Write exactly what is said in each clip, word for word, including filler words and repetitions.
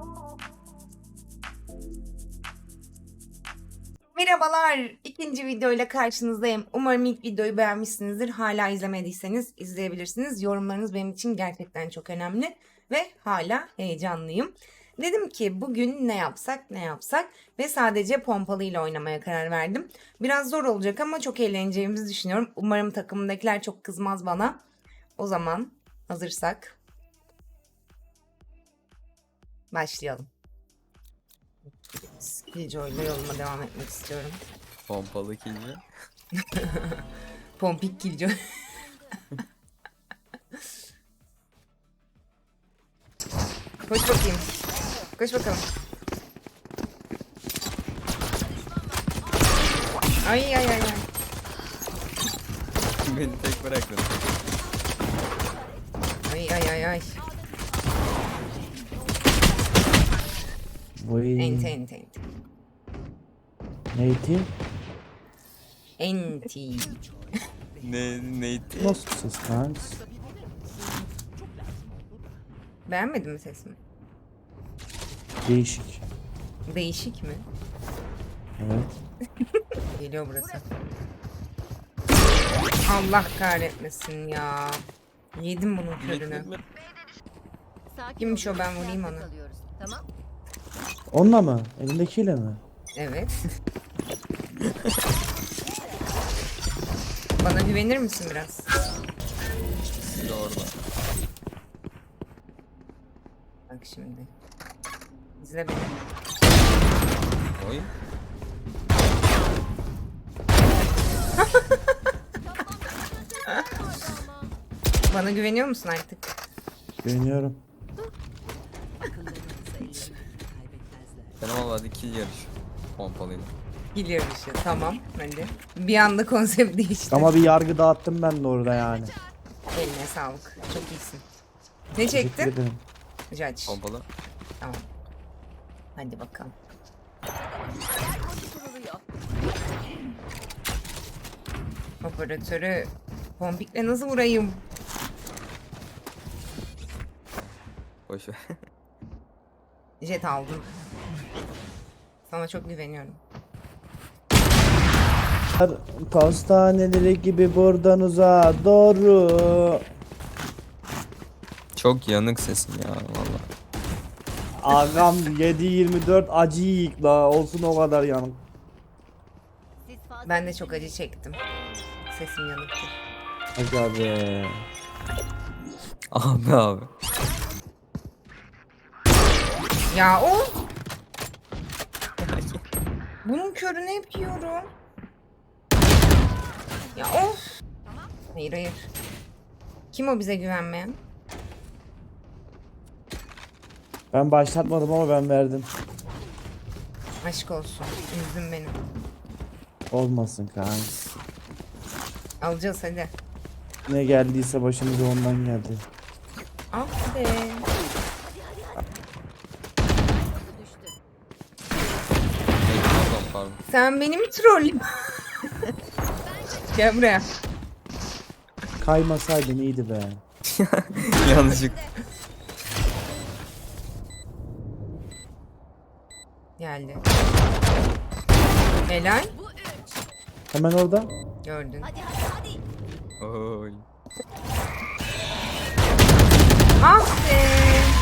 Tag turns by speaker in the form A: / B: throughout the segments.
A: Merhabalar, ikinci videoyla karşınızdayım. Umarım ilk videoyu beğenmişsinizdir. Hala izlemediyseniz izleyebilirsiniz. Yorumlarınız benim için gerçekten çok önemli ve hala heyecanlıyım. Dedim ki bugün ne yapsak ne yapsak ve sadece pompalıyla oynamaya karar verdim. Biraz zor olacak ama çok eğleneceğimizi düşünüyorum. Umarım takımdakiler çok kızmaz bana. O zaman hazırsak başlayalım. Killjoy'la yoluma devam etmek istiyorum.
B: Pompalı kilci.
A: Pompik Killjoy. Koş bakayım. Koş bakalım. Ay ay ay ay.
B: Beni tek bırakın.
A: Ay ay ay ay.
C: Vay.
A: Enti enti enti.
C: Neydi?
A: Enti.
B: Ne neydi?
C: Nasıl ses lan?
A: Beğenmedin mi sesimi?
C: Değişik.
A: Değişik mi?
C: Evet.
A: Geliyor burası. Allah kahretmesin ya. Yedim bunun körünü. Kimmiş o, ben vurayım onu.
D: Tamam.
C: Onunla mı? Elindekiyle mi?
A: Evet. Bana güvenir misin biraz?
B: Sizi orada.
A: Bak şimdi. İzle beni.
B: Oy.
A: Bana güveniyor musun artık?
C: Güveniyorum.
B: Benim ama hadi kill yarış. Pompalıyla.
A: Gidiyor işte. Tamam. Hadi. Bir anda konsept değişti.
C: Ama bir yargı dağıttım ben de orada yani.
A: Eline sağlık. Çok iyisin. Ne
C: Teşekkür
A: çektin?
C: ederim.
A: Judge.
B: Pompalı.
A: Tamam. Hadi bakalım. Operatörü pompikle nasıl vurayım?
B: Boş ver.
A: Jet aldım. Sana çok güveniyorum.
C: Pastaneleri gibi buradan uzağa doğru.
B: Çok yanık sesin ya valla.
C: Ağam yedi yirmi dört acı yiyik la, olsun o kadar yanım.
A: Ben de çok acı çektim. Sesim yanıktı.
C: Hadi abi.
B: Abi abi.
A: Ya o. Bunun körünü hep yiyorum. Ya of. Hayır hayır. Kim o bize güvenmeyen?
C: Ben başlatmadım ama ben verdim.
A: Aşk olsun. Üzdün beni.
C: Olmasın kanka.
A: Alacağız hadi.
C: Ne geldiyse başımıza ondan geldi.
A: Ah be.
B: Hey, pardon pardon.
A: Sen beni mi trollüyorsun? Gel buraya.
C: Kaymasaydın iyiydi be.
B: Yanlışlık.
A: Geldi. Helal.
C: Hemen orada.
A: Gördün.
B: Oy.
A: Ah be.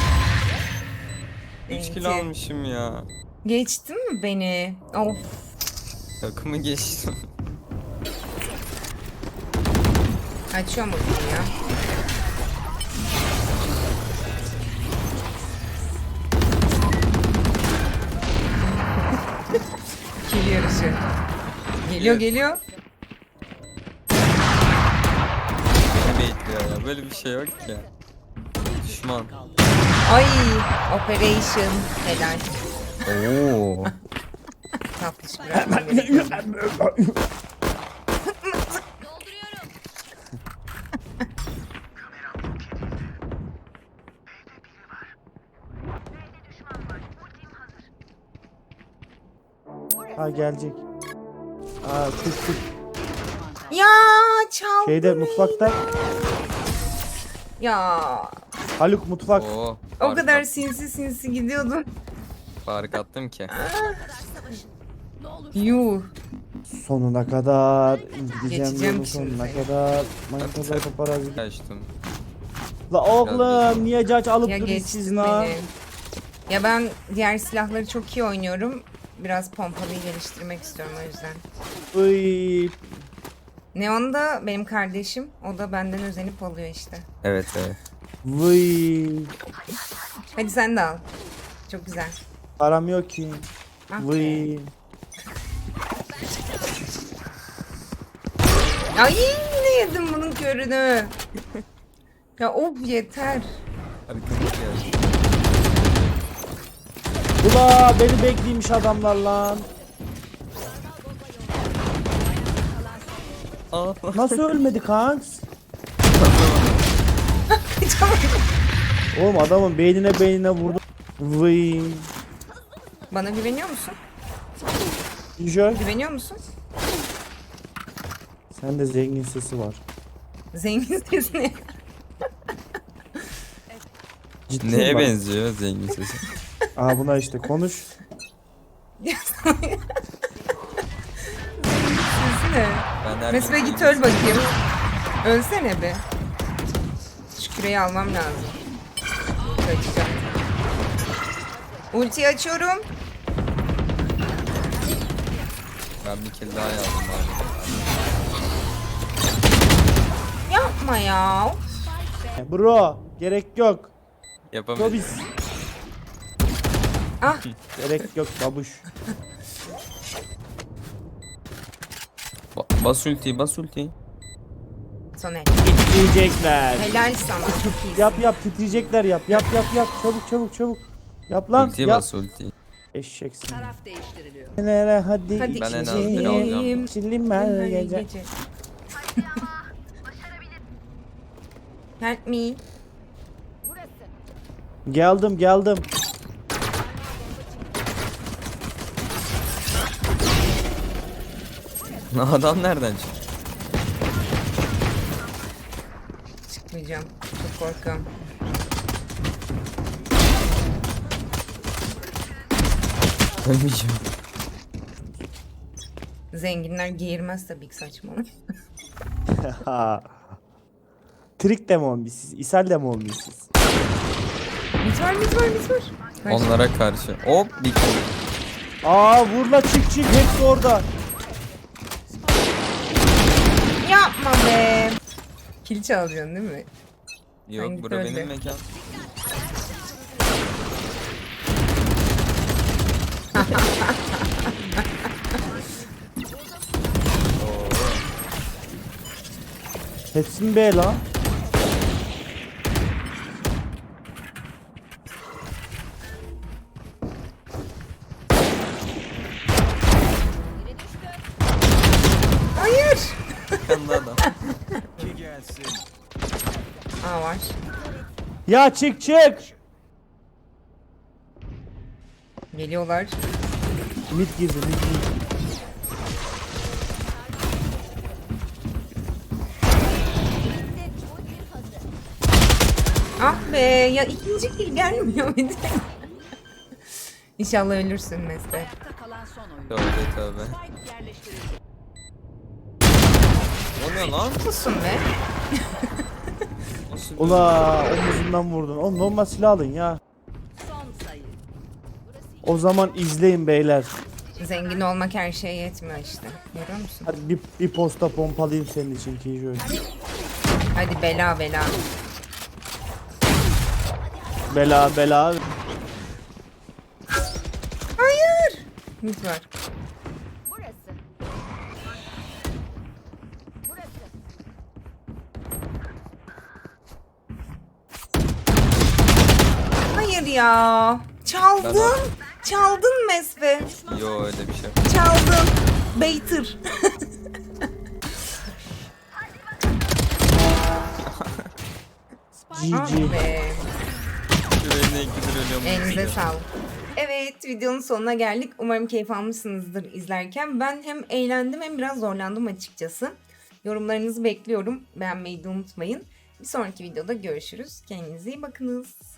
B: üç
A: Enti.
B: kilo almışım ya.
A: Geçtin mi beni? Of.
B: Takımı geçtim.
A: Açıyorum bunu ya. Kill yarışı. Geliyor geliyor.
B: Beni bekliyor ya. Böyle bir şey yok ki. Düşman.
A: Ay. Operation. Helal.
B: Oo.
A: Tatlış bırakmam gerekiyor.
C: Ha gelecek. Aa tut tut.
A: Ya çaldı.
C: Şeyde mutfakta.
A: Ya.
C: Haluk mutfak.
B: Oo.
A: O
B: Fark
A: kadar
B: attım.
A: sinsi sinsi gidiyordun.
B: Fark attım ki.
A: Yuh.
C: Sonuna kadar gideceğim
A: Geçeceğim
C: yolun
A: şimdi
C: sonuna
A: seni.
C: kadar. Manitalar paparazzi.
B: Kaçtım.
C: La oğlum niye caç alıp
A: Ya
C: duruyorsunuz siz
A: geçtin
C: la?
A: beni. Ya ben diğer silahları çok iyi oynuyorum. Biraz pompalıyı geliştirmek istiyorum o yüzden.
C: Uy.
A: Neon da benim kardeşim. O da benden özenip alıyor işte.
B: Evet evet.
C: Vıy.
A: Hadi sen de al. Çok güzel.
C: Param yok ki.
A: Ah be.
C: Vıy.
A: Ay yine yedim bunun körünü. Ya of yeter.
B: Arkamda geldi.
C: Ula beni bekleymiş adamlar lan.
B: Aa.
C: Nasıl ölmedi kanks? Oğlum adamın beynine beynine vurdu. Vıy.
A: Bana güveniyor musun?
C: Jö.
A: Güveniyor musun?
C: Sen de zengin sesi var.
A: Zengin sesine.
C: Ciddi
B: Neye
C: bak.
B: benziyor zengin sesi?
C: Aa buna işte konuş.
A: Sesine.
B: Ben her
A: Mesbe
B: gün
A: git
B: zengin
A: öl bakayım. Ölsene be. Şu küreyi almam lazım. Kaçacağım. Ultiyi açıyorum.
B: Ben bir kill daha yazdım abi.
A: Yapma ya.
C: Bro gerek yok.
B: Yapamadım.
C: Robis.
A: Ah
C: Gerek yok babuş.
B: Ba- bas ultiyi bas ultiyi.
A: Soner.
C: Titriyecekler.
A: Helal sana. Çok iyisin.
C: Yap yap titriyecekler yap. Yap yap yap. Çabuk çabuk çabuk. Yap lan.
B: Ultiye
C: Yap.
B: bas ultiyi.
C: Eşeksin.
D: Taraf değiştiriliyor.
C: Nere hadi.
A: Hadi
B: Ben en az
A: içeceğim.
B: bir alacağım.
C: Çillim her gece.
A: Gece. Help me.
C: Geldim geldim.
B: Adam nereden çıktı?
A: Çıkmayacağım. Çok korkuyorum.
B: Ölmeyeceğim.
A: Zenginler giyirmez tabii ki saçmalık.
C: Ha. Trik de mi olmuş siz? İshal de mi olmuş siz?
A: Mit var mit var mit var. Kaç.
B: Onlara karşı. Hop bir kill.
C: Aa vur la çık çık hepsi orada.
A: Yapma be. Kil çalacaksın değil mi?
B: Yok
A: Hangi
B: bura
A: öldü?
B: benim mekan.
C: Hepsi mi be la?
A: Hayır.
B: Yanında adam.
A: Aa var.
C: Ya çık çık.
A: Geliyorlar.
C: Mid girdi mid girdi.
A: Ah be ya ikinci kill gelmiyor bir de. İnşallah ölürsün Mesle.
D: Ayakta kalan son oyun.
B: Tövbe tövbe.
D: Spike yerleştirildi.
B: O ne lan?
A: Susun be.
B: Nasıl bir-
C: Ula omuzundan vurdun. Oğlum normal silah alın ya.
D: Son sayı.
C: O zaman izleyin beyler.
A: Zengin olmak her şeye yetmiyor işte. Görüyor musun?
C: Hadi bir, bir posta pompalayayım senin için Kijoy.
A: Hadi bela bela.
C: Bela bela.
A: Hayır. Mit var.
D: Burası. Burası.
A: Hayır ya. Çaldın.
B: Ben-
A: Çaldın Mesve.
B: Yo öyle bir şey.
A: Çaldın. Beytır.
C: G
A: Ah
C: G.
A: be.
B: Yüreğine ikidir ölüyorum.
A: Elinize sağlık. Evet, videonun sonuna geldik. Umarım keyif almışsınızdır izlerken. Ben hem eğlendim hem biraz zorlandım açıkçası. Yorumlarınızı bekliyorum. Beğenmeyi de unutmayın. Bir sonraki videoda görüşürüz. Kendinize iyi bakınız.